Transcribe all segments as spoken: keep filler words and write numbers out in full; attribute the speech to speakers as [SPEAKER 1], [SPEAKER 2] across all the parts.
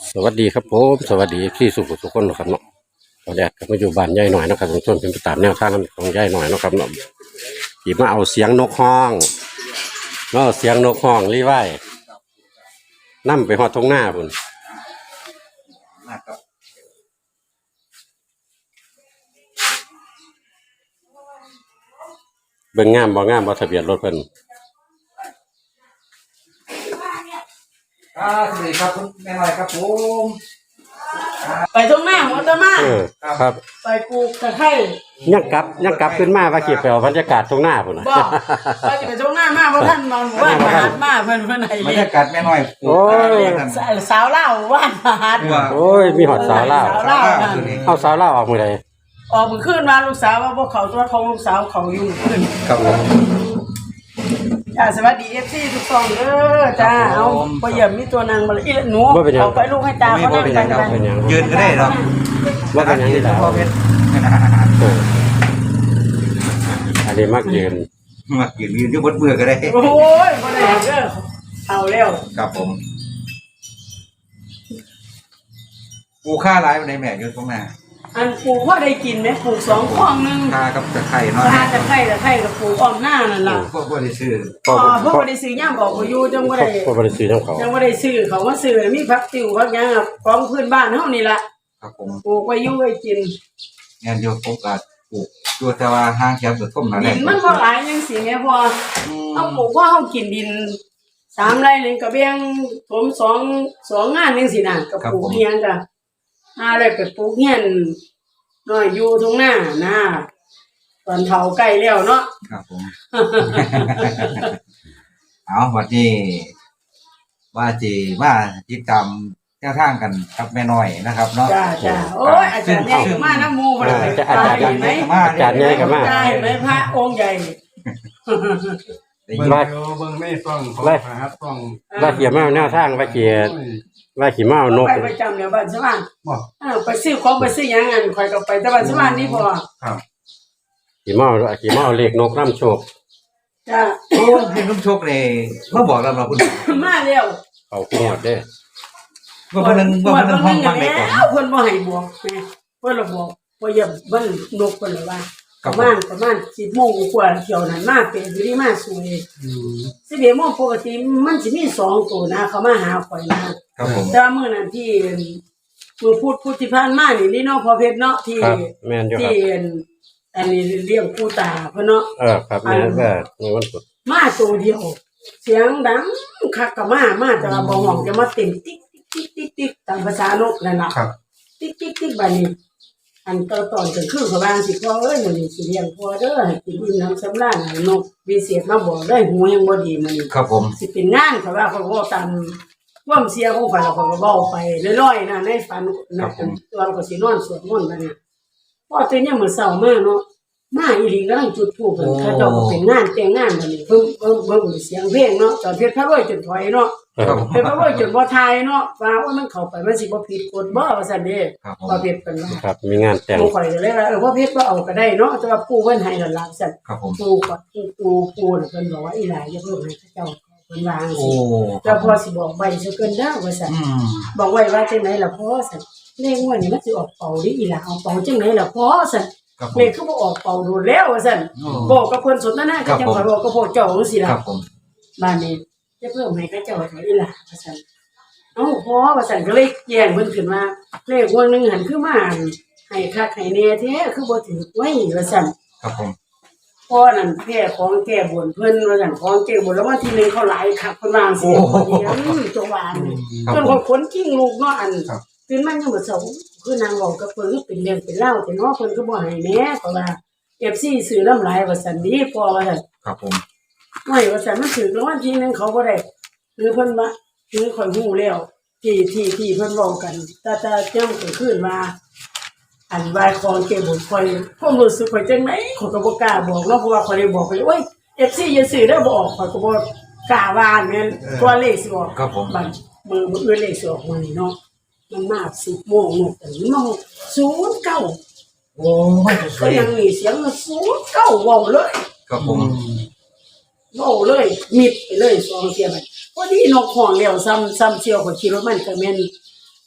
[SPEAKER 1] สวัสดีครับผมสวัสดีที่สุขสุขคนนะครับเนาะตอนแรกก็มาอยู่บ้านยายหน่อยนะครับผมชวนเป็นไปตามแนวทางของยายหน่อยนะครับเนาะที่มาเอาเสียงนกฮ้องเนาะเสียงนกฮ้องรีไว้นั่มไปหอดทงหน้าพุ่นเบิ่งงามบ่งามบ่ทะเบียนรถเพิ่น
[SPEAKER 2] ครับสวัสดีครับคุณแม่หน่อยครับผม
[SPEAKER 3] ไปตรงหน้าหัวตะมา
[SPEAKER 1] เออครับ
[SPEAKER 3] ไปปลูกตะไคร้
[SPEAKER 1] ยังกลับยังกลับขึ้นมาว่าเก็บไปเอาบรรยากาศตรงหน้าพุ่นน่ะ
[SPEAKER 3] บอกไปไปตรงหน้ามากเพราะท่านนอนว่านมหาดมาเพิ่นเพิ่นไหน
[SPEAKER 2] บรรยากาศแม่หน่อย
[SPEAKER 1] โอ้ย
[SPEAKER 3] สาวเล่าว่านมหาด
[SPEAKER 1] โอ้ยมีหอดสาวเล่าเอาสาวเล่าออกมื้อใด
[SPEAKER 3] ออกมื้อคืนมาลูกสาวว่าพวกเขาตัวของลูกสาวเขาอยู่คืน
[SPEAKER 2] ครับผม
[SPEAKER 3] จ้าสวัสดี เอฟ ซี ทุกท่านเด้อจ้าเอาบ่เยี่ยมมีตัวนางมาอีหนูเอาไปลูกให้ตาเขานั่งกันกัน
[SPEAKER 2] ยืนก็ได้หรอก
[SPEAKER 1] ว่าเป็นยังไงล่ะอันนี้มักยืน
[SPEAKER 2] มักยืนยืนอยู่บนเบื่อก็ได้
[SPEAKER 3] โอ้ยบ่ได้เด้อเอาแล้ว
[SPEAKER 2] ครับผมปูค่าร้ายในแม่ยืนตรงหน้า
[SPEAKER 3] อันปลูกว่าได้กินไหมปลูกสองคลองนึง
[SPEAKER 2] ค่ากับตะไคร้เนาะ
[SPEAKER 3] ค่าตะไคร้ตะไคร้กับปลูกอ้อมหน้านั่นล่ะ
[SPEAKER 2] พวกบ่ได้ซื้อ
[SPEAKER 3] อ๋อพวกบ่ได้ซื้อย่ามบอกบ่อยู่จังบ่ได้
[SPEAKER 1] พวกบ่ได้ซื้อของเขา
[SPEAKER 3] จังบ่ได้ซื้อเขามาซื้อมีผักติ๋วผักหยังของพื้นบ้านเฮานี่ล่ะ
[SPEAKER 2] ครับผม
[SPEAKER 3] ปลูกไว้อยู่ไว้กิน
[SPEAKER 2] งานโยกผมก็ปลูกอยู่แต่ว่าห้างแคบสุดท่มนั่นแหละ
[SPEAKER 3] ดินมันบ่หลายจังซี่แม่พอเฮาปลูกว่าเฮากินดินสามไร่นึงก็แบ่งผมสอง สองงานจังซี่น่ะก็ปลูกเฮียนจ้ะหาแล้วก็ปลูกเฮียนน้อยอยู่ตรงหน้านะตอนเฒ่าใกล้แล้วเนาะ
[SPEAKER 2] ครับผมเอาวันนี้ว่าจีว่าติดตามแนวทางกันกับแม่น้อยนะครับเนาะ
[SPEAKER 3] จ้าจ้าโอ้ยอาจารย์ใหญ่มาน้ำมูบ่ได้
[SPEAKER 1] อาจารย์ใหญ่ไหมอาจารย์ใหญ่ก็มา
[SPEAKER 3] ได้ไหมพระองค์ใหญ่
[SPEAKER 4] เบิ่งเบิ่งไม่ต้องขอพระครับต้อง
[SPEAKER 1] ว่าเกี่ยวมาแนวทางว่าเกี่ยวว่าขี่เมานก
[SPEAKER 3] ไปประจำเดี๋ยวบ้านสว่างไปซื้อของไปซื้อยังอันคอยก็ไปแต่บ้านสว่างนี่พอ
[SPEAKER 4] ครับ
[SPEAKER 1] ขี่เมาขี่เมาเล็กนกน้ำโชค
[SPEAKER 3] จ้า
[SPEAKER 2] โอ้ให้น้ำโชคเลยมาบอกเราเราคุณ
[SPEAKER 3] มาเร็ว
[SPEAKER 1] เขาขี้หมดเด้
[SPEAKER 2] ว่าเพิ่นว่าเพิ่นห้องฟังได้ก่อน
[SPEAKER 3] เพิ่นบ่ให้บวกเพิ่นละบอกว่าอย่าเบิ่งนกเพิ่นเลยว่าประมาณประมาณสิบโมงกว่าเที่ยวนั้นมาเป็นอยู่นี่มาสวยอืมสิบเอ็ดโมงปกติมันสิมีสองตัวนะเขามาหาข่อยนะครับผมแต่มื้อนั้นที่มื้อพุธพุธที่ผ่านมานี่นี่เนาะพอเพชรเนาะที่ที่อันนี้เลี้ยงปู่ตาเพิ่นเนาะ
[SPEAKER 1] เออครับแม่นว่าในวันศุกร์
[SPEAKER 3] มาตัวเดียวเสียงดังคักก็มามาแต่ว่าบ่ฮ้องจะมาเต็มติ๊กติ๊กติ๊กติ๊กตามภาษานกนั่นล่ะ
[SPEAKER 2] ครับ
[SPEAKER 3] ติ๊กติ๊กติ๊กบัดนี้อันตอนตอนกลางคืนเขาบางสิพ่อเอ้ยมื้อนี้สิเลี้ยงพ่อเด้อให้กินอิ่มน้ำสำราญนกวิเศษมาบอกได้หูยังบ่ดีมื้อนี้
[SPEAKER 2] ครับผม
[SPEAKER 3] สิเป็นงานเขาว่าเขาก็ตามความเสียของข่อยแล้วเขาก็เว้าไปลอยๆนะในฝันนะตัวเราก็สินอนสวดมนต์บัดนี้พอตื่นยามมื้อเช้ามาเนาะมาอีหลีกำลังจุดธูปเพิ่นเขาเจ้าก็เป็นงานแต่งงานบัดนี้เพิ่นเบิ่งเบิ่งเสียงเพลงเนาะตอนเพชรพระรวยจนถอยเนาะเพชรพระรวยจนบ่ทายเนาะว่าโอ้มันเข้าไปมันสิบ่ผิดกฎบ่ว่าซั่นเด้บ่เพชรเพิ่นว่า
[SPEAKER 1] ครับมีงานแต่ง
[SPEAKER 3] บ่ค่อยเลยว่าเออบ่เพชรบ่เอาก็ได้เนาะแต่ว่าปู่เพิ่นให้นั่นล่ะซั่นปู่ก็ปู่ปู่เพิ่นบอกว่าอีหลาอย่าเพิ่งให้เขาเจ้าเพิ่นว่าจังซี่แล้วพอสิบอกไว้ซะเกินเด้อว่าซั่นบอกไว้ว่าจังได๋ล่ะพ่อซั่นเลขงวดนี้มันสิออกเป่าดิอีหลาเอาเป่าจังได๋ล่ะพ่อซั่นเลขคือบ่ออกเป่าโดนแล้วว่าซั่นบอกกับเพิ่นสนทนากันจังว่าบอกกับพวกเจ้าจังซี่ล่ะบ้านนี้จะเพิ่มให้เขาเจ้าเท่าอีหลาว่าซั่นเอ้าพ่อว่าซั่นก็เลยแย่งเพิ่นขึ้นมาเลขงวดนึงหันคือมาให้คักให้แน่แท้คือบ่ถูกไว้ว่าซั่น
[SPEAKER 2] ครับผม
[SPEAKER 3] พ่อนั่นแพ้ของแก้บนเพิ่นว่าซั่นของแก้บนแล้ววันที่หนึ่งเขาหลายคักเพิ่นว่าจังซี่อือจังหวะนี่จนคนขนกิ้งลูกเนาะอันตื่นมายังบ่เช้าคือนางเว้ากับเพิ่นคือเป็นเรื่องเป็นเล่าแต่เนาะเพิ่นก็บ่ให้แหน่เพราะว่า เอฟ ซี ซื้อน้ำหลายว่าซั่นดีพอว่าซั่น
[SPEAKER 2] ครับผม
[SPEAKER 3] ไม่ว่าซั่นมันถือรางวัลที่หนึ่งเขาบ่ได้หรือเพิ่นว่าคือข่อยฮู้แล้วที่ที่ที่เพิ่นเว้ากันแต่แต่จังก็คืนมาอันว่าของเก็บบ่ค่อยความรู้สึกข่อยจังได๋ข่อยก็บ่กล้าบอกเนาะเพราะว่าข่อยได้บอกไปโอ้ย เอฟ ซี อย่าซื้อเด้อบ่ออกข่อยก็บ่กล้าว่าแม่นตัวเลขสิออก
[SPEAKER 2] ครับผม
[SPEAKER 3] บัดมือมื้ออื่นเลขสิออกมื้อนี้เนาะมันมาสิบโมงนกแต่มันมาศูนย์เก้า
[SPEAKER 2] โอ้ย
[SPEAKER 3] ก็ยังมีเสียงศูนย์เก้าเว้าเลย
[SPEAKER 2] ครับผม
[SPEAKER 3] เว้าเลยมิดไปเลยสองเที่ยไปพอดีนกฮ้องแล้วซ้ำซ้ำเที่ยวก็ขี่รถมันก็แม่น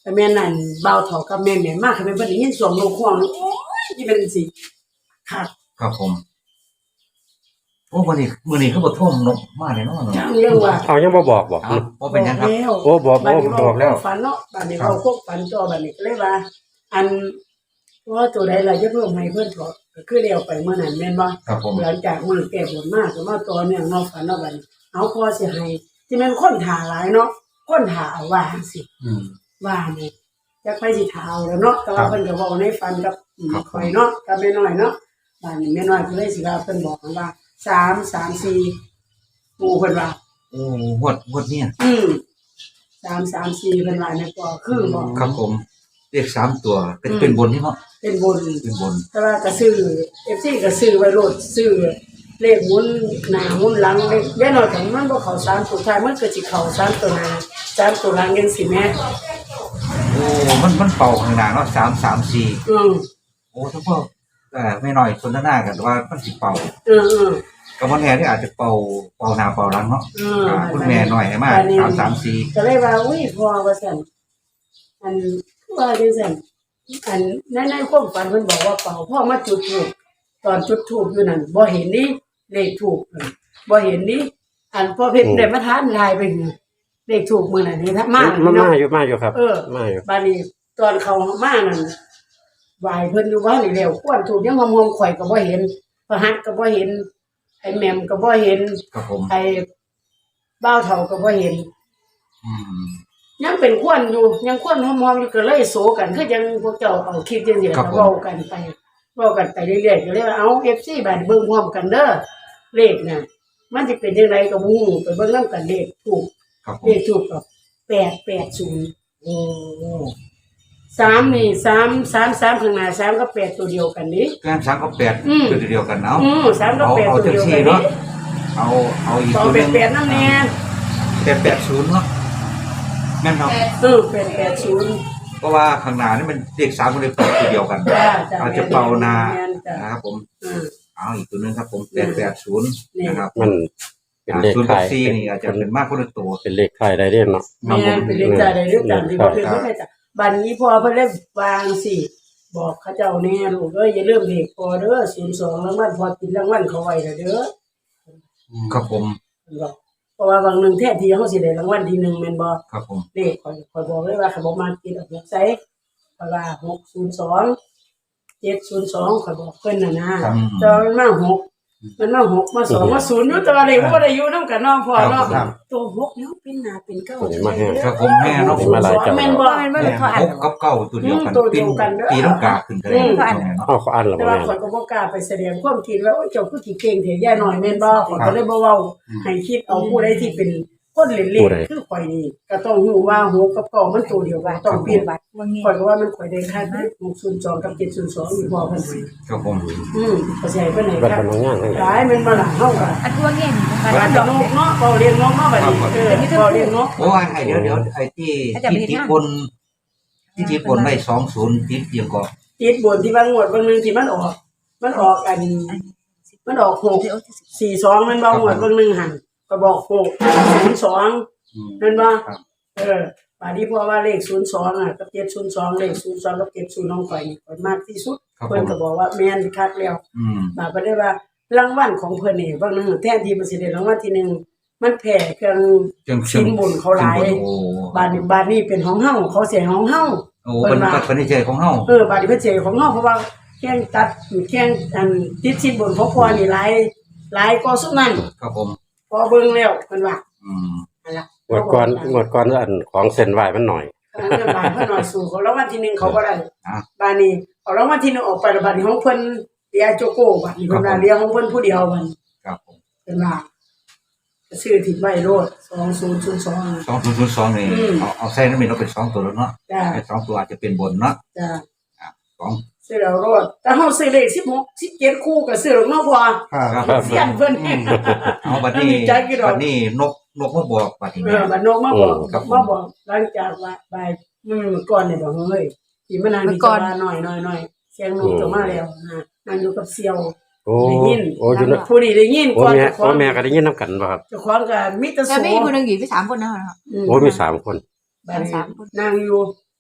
[SPEAKER 3] แต่แม่นั่นเบาเถากับแม่แม่มากค่ะแม่เพิ่นได้ยินเสียงนกฮ้องโอ้ยที่เป็นสิคัก
[SPEAKER 2] ครับผมโอ้วันนี้มื้อนี้เขาบ่ท่วมนกมาเลยเนาะ
[SPEAKER 3] จังเรื่องว่า
[SPEAKER 1] เอายังบ่บอกบอก
[SPEAKER 2] อ้าวบ่เป็นหยังครับ
[SPEAKER 1] โอ้บอก
[SPEAKER 3] บัด
[SPEAKER 1] โอ้
[SPEAKER 3] นี้
[SPEAKER 1] บอกแล้ว
[SPEAKER 3] ฝันเนาะบัดนี้เราพวกฝันจอบัดนี้ก็เลยว่า อันว่าตัวใดล่ะจะเพิ่มให้เพิ่นก็ก็คือเดียวไปเมื่อนั้นแม่นบ่
[SPEAKER 2] ครับผม
[SPEAKER 3] หลังจากมื้อแก้บนมาก็มาต่อเนื่องเนาะฝันเนาะบัดนี้เอาพอสิให้ที่แม่นคนถ่าหลายเนาะคนถ่าเอาว่าจังซี่
[SPEAKER 2] อืม
[SPEAKER 3] ว่านี่จักไปสิถ่าเอาแล้วเนาะแต่ว่าเพิ่นก็เว้าในฝันกับอืม
[SPEAKER 2] ครับ
[SPEAKER 3] ข่อยเนาะกับแม่น้อยเนาะบัดนี้แม่น้อยก็เลยสิว่าเพิ่นบอกว่าสาม สาม สี่หมู่เพิ่นว่า
[SPEAKER 2] โอ้งวดงวดเนี่ย
[SPEAKER 3] อืมสาม สาม สี่เพิ่นว่าในปอคือบอก
[SPEAKER 2] ครับผมเลขสามตัวเป็นเป็นบนนี่เนาะ
[SPEAKER 3] เป็นบน
[SPEAKER 2] เป็นบน
[SPEAKER 3] แต่ว่าก็ซื้อ เอฟ ซี ก็ซื้อไว้โลดซื้อเลขหมุนหน้าหมุนหลังเลขย่าน้อยของมันบ่เข้าสามตัวท้ายมันก็สิเข้าสามตัวหน้าสามตัวหลังจังซี่แหม
[SPEAKER 2] โอ้มันมันเป่าข้างหน้าเนาะสาม สาม สี่
[SPEAKER 3] อือ
[SPEAKER 2] โอ้ถ้าพวกเอ่อไม่น้อยสนทนากันว่ามันสิเป่า
[SPEAKER 3] เออๆ
[SPEAKER 2] กับวันแน่ที่อาจจะเป่าเป่าหน้าเป่าหลังเนาะ
[SPEAKER 3] อือ
[SPEAKER 2] อ่าคุณแม่หน่อยให้มาสาม สาม สี่
[SPEAKER 3] ก็เลยว่าอุ้ยพอว่าซั่นอันคือว่าจังซั่นอันในในความฝันเพิ่นบอกว่าเป่าพ่อมาจุดธูปตอนจุดธูปอยู่นั่นบ่เห็นนี่เลขธูปบ่เห็นนี่อันพ่อเพชรได้มาทานลายไปอยู่เลขธูปมื้อนั้นนี่ถ้ามา
[SPEAKER 1] มา
[SPEAKER 3] เนาะ
[SPEAKER 1] มาอยู่มาอยู่ครับ
[SPEAKER 3] เออ
[SPEAKER 1] มาอยู่
[SPEAKER 3] บาดนี้ตอนเขามานั่นไหวเพิ่นอยู่ว่านี่แล้วควรถูกยังงอมๆข่อยก็บ่เห็นประหัตก็บ่เห็นไอ้แหม่มก็บ่เห็น
[SPEAKER 2] ครับผม
[SPEAKER 3] ไอ้บ้าวเฒ่าก็บ่เห็น
[SPEAKER 2] อืม
[SPEAKER 3] ยังเป็นควรอยู่ยังควรหอมๆอยู่ก็เลยโศกันคือจังพวกเจ้าเอาคลิปจังซี่ล่ะเว้ากันไปเว้ากันไปเรื่อยๆก็เลยว่าเอา เอฟ ซี บาดเบิ่งพร้อมกันเด้อเลขน่ะมันสิเป็นจังไดก็บ่ฮู้ไปเบิ่งนำกันเลขถูก
[SPEAKER 2] ครับผ
[SPEAKER 3] เล
[SPEAKER 2] ม
[SPEAKER 3] ขถูกก็แปดแปดศูนย์
[SPEAKER 2] โอ้
[SPEAKER 3] สามนี่สามสามสามข้างหน้าสามกับแปดตัวเดียวกันนี่
[SPEAKER 2] การสามกับแปด
[SPEAKER 3] อืม
[SPEAKER 2] คือตัวเดียวกันเนาะ
[SPEAKER 3] อืมสามกับ
[SPEAKER 2] เอา
[SPEAKER 3] แปด
[SPEAKER 2] เอา
[SPEAKER 3] ตัว
[SPEAKER 2] จัง
[SPEAKER 3] เดียว
[SPEAKER 2] ซี่
[SPEAKER 3] กันนี่
[SPEAKER 2] เนาะเอาเอาอีก
[SPEAKER 3] สอง
[SPEAKER 2] ตัวห
[SPEAKER 3] เป็
[SPEAKER 2] นึ
[SPEAKER 3] น
[SPEAKER 2] ง
[SPEAKER 3] แปดน้ำเนี่ย
[SPEAKER 2] แปดแปดศูนย์เนาะแม่นครับ
[SPEAKER 3] เออเป็นแปดศูนย์
[SPEAKER 2] เพราะว่าข้างหน้านี่มันเลขสามกับเลขแปดตัวเดียวกัน
[SPEAKER 3] จ้าจ้า
[SPEAKER 2] อาจจะเป่าหนา
[SPEAKER 3] แม่นจ้า
[SPEAKER 2] นะครับผม
[SPEAKER 3] อืม
[SPEAKER 2] เอาอีกตัวหนึงครับผมแปดแปดศูนย์
[SPEAKER 3] นี่
[SPEAKER 2] นะครับ
[SPEAKER 1] มันเป็นเลข
[SPEAKER 2] ศูนย์
[SPEAKER 1] ไท
[SPEAKER 2] กับ
[SPEAKER 1] ย
[SPEAKER 2] สี่นี่อาจจะเป็นมากคนละตัว
[SPEAKER 1] เป็นเลขไทยได้เด้เนาะ
[SPEAKER 3] แม่นเป็นเลขจ่ายได้เรื่องกันที่บ่เป็นบ่ได้จ้ะบัดนี้พอเพิ่นเลยวางสิบอกเขาเจ้าแน่ลูกเอ้ยอย่าลืมเลขพอเด้อศูนย์สองรางวัลพอติดรางวัลเขาไว้แล้วเด้อ
[SPEAKER 2] ครับผม
[SPEAKER 3] เพิ่นบอกเพราะว่าบางหนึงแท้ที่เฮาสิได้รางวัลที่หนึ่งแม่นบ่
[SPEAKER 2] ครับผม
[SPEAKER 3] เลขข่อยข่อยบอกเลยว่าเขาบอกมาติดออกหกใส่เพราะว่าหกศูนย์สอง เจ็ดศูนย์สองข่อยบอกเพิ่นน่ะนะแต่ว่ามันมาหกมันมาหกมาสองมาศูนย์อยู่แต่ว่าเลขบ่ได้อยู่นำกันเนาะพ่อเนาะตัวหกเนาะเป็นหน้าเป็นเก้า
[SPEAKER 1] ตัวนี้มาแห้ง
[SPEAKER 2] ครับผมแม่เนาะ
[SPEAKER 1] นี่มาหลายเจ้า
[SPEAKER 3] แม่นบ่แม่นบ่
[SPEAKER 2] แม่
[SPEAKER 3] เขาอ่าน
[SPEAKER 2] หกกับเก้าตัวเดียวกัน
[SPEAKER 3] อืมตัวเดี
[SPEAKER 2] ปี
[SPEAKER 3] ยวกันเด้อ
[SPEAKER 2] ปีต้องกาขึ้นกันเลย
[SPEAKER 3] อืม
[SPEAKER 2] เนาะ
[SPEAKER 1] เอาเขาอ่านแล้ว
[SPEAKER 3] แต่
[SPEAKER 1] บ่
[SPEAKER 3] ว่า
[SPEAKER 1] แม่น
[SPEAKER 3] ข่อยก็บ่กล้าไปแสดงความคิดว่าโอ้ยเจ้าคือสิเก่งแท้ย่าน้อยแม่นบ่ข่อยก็เลยบ่เว้าให้คิดเอาผู้ใดที่เป็นคนเล่นๆคือข่อยนี่ก็ต้องรู้ว่าหกกับเก้ามันตัวเดียวกันต้องเปลี่ยนบัตรข่อยก็ว่ามันข่อยได้ค่าหกศูนย์สองกับเจ็ดศูนย์สองอยู่พอเพิ่นให้
[SPEAKER 2] ครับผม
[SPEAKER 3] อืมก็ใช่เพิ่นให้
[SPEAKER 1] บัด
[SPEAKER 3] ครับ
[SPEAKER 1] พนักงานทั้งห
[SPEAKER 3] ห
[SPEAKER 1] ลาย
[SPEAKER 3] ลายแม่นบ่ล่ะเฮาก็
[SPEAKER 5] อันตัวเงี้ย
[SPEAKER 3] บ้านดอกนกเนาะเว้าเรียนนกเนาะบัดนี้เออเว้าเรียนนก
[SPEAKER 2] โอ้ยไอ้เดี๋ยวเดี๋ยวไอ้ที่ที่ที่บนที่ที่บนได้สองศูนย์ติดเดียวก็
[SPEAKER 3] ติดบนที่บางงวดบางนึงที่มันออก มันออกอันมันออกหก สี่สองมันบ่งวดบางนึงหั่นก็บอกหกศูนย์สอง แม่นบ่เออป่านนี้เพราะว่าเลขศูนย์สองอ่ะกับเจ็ดศูนย์สองเลขศูนย์สองกับเจ็ดศูนย์น้องข่อยนี่ข่อยมากที่สุดเพิ่นก็บอกว่าแม่นคักแล้ว
[SPEAKER 2] อืม
[SPEAKER 3] บาดก็ได้ว่ารางวัลของเพิ่นนี่บางนึงแทนที่มันสิได้รางวัลที่หนึ่งมันแพ้เครื่อง
[SPEAKER 2] จัง
[SPEAKER 3] สินบุญเขาหลาย
[SPEAKER 2] โอ้
[SPEAKER 3] บาดนี้บาดนี้เป็นของเฮาเขาเสียของเฮา
[SPEAKER 2] โอ้เป็นเป็นนิจของเฮา
[SPEAKER 3] เออบาดนี้เพิ่นเสียของเฮาเพราะว่าแข่งตัดแข่งอันติดสินบุญของพ่อนี่หลายหลายกว่าสุดนั้น
[SPEAKER 2] ครับผม
[SPEAKER 3] พอเบิ่งแล้วเพิ่นว่า
[SPEAKER 2] อืม
[SPEAKER 3] นั่นล่ะ
[SPEAKER 1] งวดก่อนงวดก่อนอันของเส้นไหวมันหน่อย
[SPEAKER 3] เออบ้านเพิ่นหน่อยสู่เขารางวัลที่หนึ่งเขาบ่ได้
[SPEAKER 2] อ่ะ
[SPEAKER 3] บ้านนี้เอารางวัลที่หนึ่งออกไปแล้วบ้านนี้ของเพิ่นเรียโจโก้บ้านนี้เพิ่นว่าเรียของเพิ่นผู้เดียวบัด
[SPEAKER 2] ครับผม
[SPEAKER 3] เพิ่นว่าซื้อถิ่นไว้โลดสองศูนย์ศูนย์สอง
[SPEAKER 2] สองศูนย์ศูนย์สองนี่
[SPEAKER 3] อืม
[SPEAKER 2] เอาเอาใส่น้ำมันเราเป็นสองตัวแล้วเนาะ
[SPEAKER 3] จ้า
[SPEAKER 2] ไอ้สองตัวอาจจะเป็นบนเนาะ
[SPEAKER 3] จ้า
[SPEAKER 2] สอง
[SPEAKER 3] ซื้อแล้วโลดแต่เฮาซื้อเลขสิบหก สิบเจ็ดคู่ก็ซื้อหรอกเนาะพ่อ
[SPEAKER 2] ครับ
[SPEAKER 3] เสียนเพิ่น
[SPEAKER 2] เอาบัดนี้
[SPEAKER 3] ใจกี่ดอก
[SPEAKER 2] บัดนี้นกนกมาบอกบัดนี้
[SPEAKER 3] เอ
[SPEAKER 2] แม่
[SPEAKER 3] อบัดนกมาบอก
[SPEAKER 2] ครับผม
[SPEAKER 3] มาบอกหลังจากว่าบ่ายมื้อก่อนนี่บอกเฮ้ยสิมานางที่จะว่าน้อยๆๆเสียงนกจะมาแล้วนะนั่งอยู่กับเสี่ยว
[SPEAKER 1] โอ้
[SPEAKER 3] ได้ยิน
[SPEAKER 1] โอ้อยู่นะ
[SPEAKER 3] ผู้นี้ได้ยิน
[SPEAKER 1] โอ้
[SPEAKER 3] ก่อน
[SPEAKER 1] แม่
[SPEAKER 3] เจ้าขอ
[SPEAKER 1] โอ้
[SPEAKER 3] ง
[SPEAKER 1] แม่ก็ได้ยินนํกันบ่ครับ
[SPEAKER 3] เจ้าของก็มีแต่
[SPEAKER 5] แต่
[SPEAKER 3] โส
[SPEAKER 5] ไม่มีคนหนึ่งอยู่ที่สามคนนะครับ
[SPEAKER 3] อืม
[SPEAKER 1] โอ้มีสามคน
[SPEAKER 3] บัดนี้
[SPEAKER 5] สามคน
[SPEAKER 3] นั่งอยู่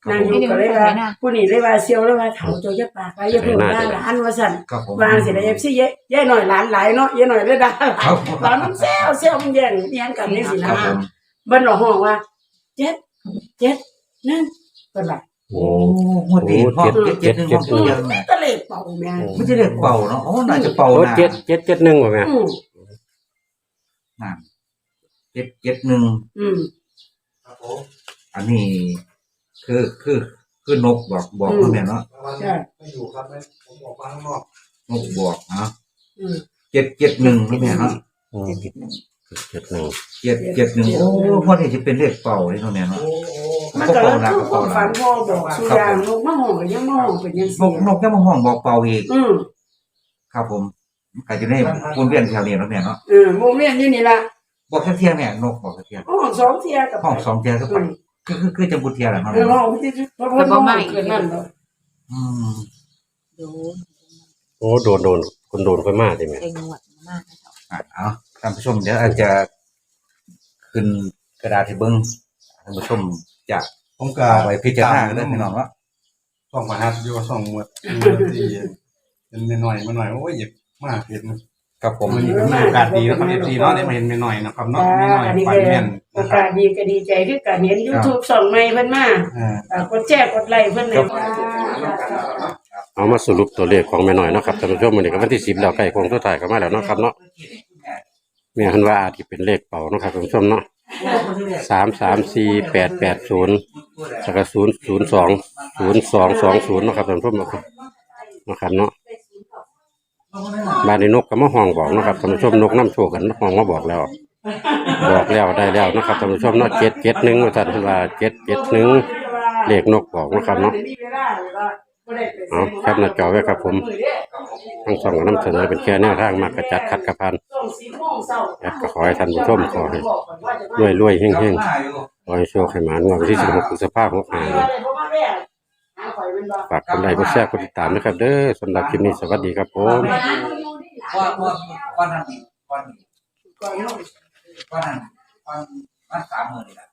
[SPEAKER 3] นางอยู่ก็เลยว่าผู้นี้เลยว่าเซียวเลยว่าเฒ่าเจ้าอย่าปากหลายอย่าเพิ่งด่าหลานว่าซั่น
[SPEAKER 2] ครับผม
[SPEAKER 3] วางสิได้ เอฟ ซี ยายยายหน่อยหลานหลายเนาะยายหน่อยเลยด่าหลานมันแซวแซวมันแย่งแย่งกันจังซี่นะครับ
[SPEAKER 2] ผม
[SPEAKER 3] เบิ่นห้องว่าเจ็ดเจ็ดนั่นเพิ่นว่า
[SPEAKER 2] โอ้งวดนี้ห้องเจ็ดหนึ่งห้องเดียวแม่
[SPEAKER 3] ก็เลยเป่าแม่
[SPEAKER 2] ไม่ใช่เรียกเป่าเนาะอ๋อน่าจะเป่า
[SPEAKER 1] โอ้
[SPEAKER 2] นะ
[SPEAKER 1] เจ็ดเจ็ดเจ็ดหนึ่งว่ะแม่
[SPEAKER 3] อืม
[SPEAKER 2] นั่นเจ็ดเจ็ดหนึ่ง
[SPEAKER 3] อืม
[SPEAKER 2] อันนี้คือคือคือนกบอกบอกแม่เนาะ
[SPEAKER 3] ใช่
[SPEAKER 4] ไม่อยู่ครับไม่ผมออกมาข้างนอก
[SPEAKER 2] นกบอกเนาะ
[SPEAKER 3] อืม
[SPEAKER 2] เจ็ดเจ็ดหนึ่งนี่แม่เนาะ
[SPEAKER 1] อืมเจ็ดหนึ่ง
[SPEAKER 2] เจ็ดเจ็ดหนึ่งโอ้พ่อนี่จะเป็นเลขเป่าเลยเนาะแม่เนาะ
[SPEAKER 3] มันก็เลยคือความฝันพ่อบอกสุยางนกมาห้องก็ยังมาห้องเป็นจัง
[SPEAKER 2] น
[SPEAKER 3] ซี่
[SPEAKER 2] กนกยังมาห้องบอกเป่าอีก
[SPEAKER 3] อืม
[SPEAKER 2] ครับผมก็จะได้วนเวียนแถวนี้เนาะแม่เนาะ
[SPEAKER 3] เออโมเมนต์อยู่นี่ล่ะ
[SPEAKER 2] บอกแค่เที่ยงเนี่ยนกบอกแค่เที่ยง
[SPEAKER 3] ห้องสองเที่ยกับ
[SPEAKER 2] ห้องสองเที่ยงก็ไปคือคือคือจะบุเที่ยงแหละเนาะ
[SPEAKER 3] เออห้องที่เพราะว่าห้องเกินนั่นเนาะ
[SPEAKER 2] อืม
[SPEAKER 5] ดู
[SPEAKER 1] โอ้โดนโดนคนโดนค่อยมากใช่ไหม
[SPEAKER 5] เองหวดมากนะเจ้า
[SPEAKER 2] อ่ะเอาท่านผู้ชมเดี๋ยวอาจจะขึ้นกระดาษให้เบิ้งท่านผู้ชมจะ
[SPEAKER 4] ผมก็
[SPEAKER 2] เอาไปพิจารณาเรื่องพี่น้องว่า
[SPEAKER 4] ส่องมาฮัทอยู่ส่องหมดที่เป็นหน่อยมาหน่อยโอ้ยอยากมาเห็น
[SPEAKER 2] ครับผม
[SPEAKER 4] มันเป็นโอกาสดีนะครับเอฟซีเนาะได้มาเห็นหน่อยนะครับเนาะ
[SPEAKER 3] จ้า
[SPEAKER 4] หน่อย
[SPEAKER 3] อันนี้
[SPEAKER 4] ฝั
[SPEAKER 3] ก็
[SPEAKER 4] นแม่น
[SPEAKER 3] โอ
[SPEAKER 4] นะครั
[SPEAKER 3] กา
[SPEAKER 4] บ
[SPEAKER 3] สดีก็ดีใจคือการเห็น YouTube ช่องใหม่เพิ่นมา
[SPEAKER 4] อ่า
[SPEAKER 3] อ่ากดแชร์กดไลค์เพิ่นเลยจ้า
[SPEAKER 1] เอามาสรุปตัวเลขของแม่น้อยเนาะครับท่านผู้ชมมื้อนี้ก็วันที่สิบแล้วใกล้โค้งสุดท้ายก็มาแล้วเนาะครับเนาะแม่เพิ่นว่าอาจสิเป็นเลขเป่าเนาะครับท่านผู้ชมเนาะสามสามสี่แปดแปดศูนย์แล้วก็ศูนย์ศูนย์สองศูนย์สองสองศูนย์เนาะครับท่านผู้ชมเนาะครับเนาะบ้านในนกก็มาห้องบอกเนาะครับท่านผู้ชมนกน้ำโชคกันห้องมาบอกแล้ว บอกแล้วได้แล้วเนาะครับท่านผู้ชมเนาะเจ็ดเจ็ดหนึ่งว่าท่านเพิ่นว่าเจ็ดเจ็ดหนึ่งเลขนกบอกเนาะครับเนาะเอาแคปหน้าจอไว้ครับผมทั้งสองก็นำเสนอเป็นแค่แนวทางมากระจัดคัดกระพันแอดก็ขอให้ท่านผู้ชมขอให้รวยรวยๆเฮงเฮงๆขอให้โชคให้หมานวันที่สิบหกพฤษภาคมหกห้าฝากกดไลค์กดแชร์กดติดตามนะครับเด้อสำหรับคลิปนี้สวัสดีครับผม
[SPEAKER 2] ว่าว่าว่านั่นนี่ว่านี่ว่านั่นว่าว่าสามหมื่นนี่แหละ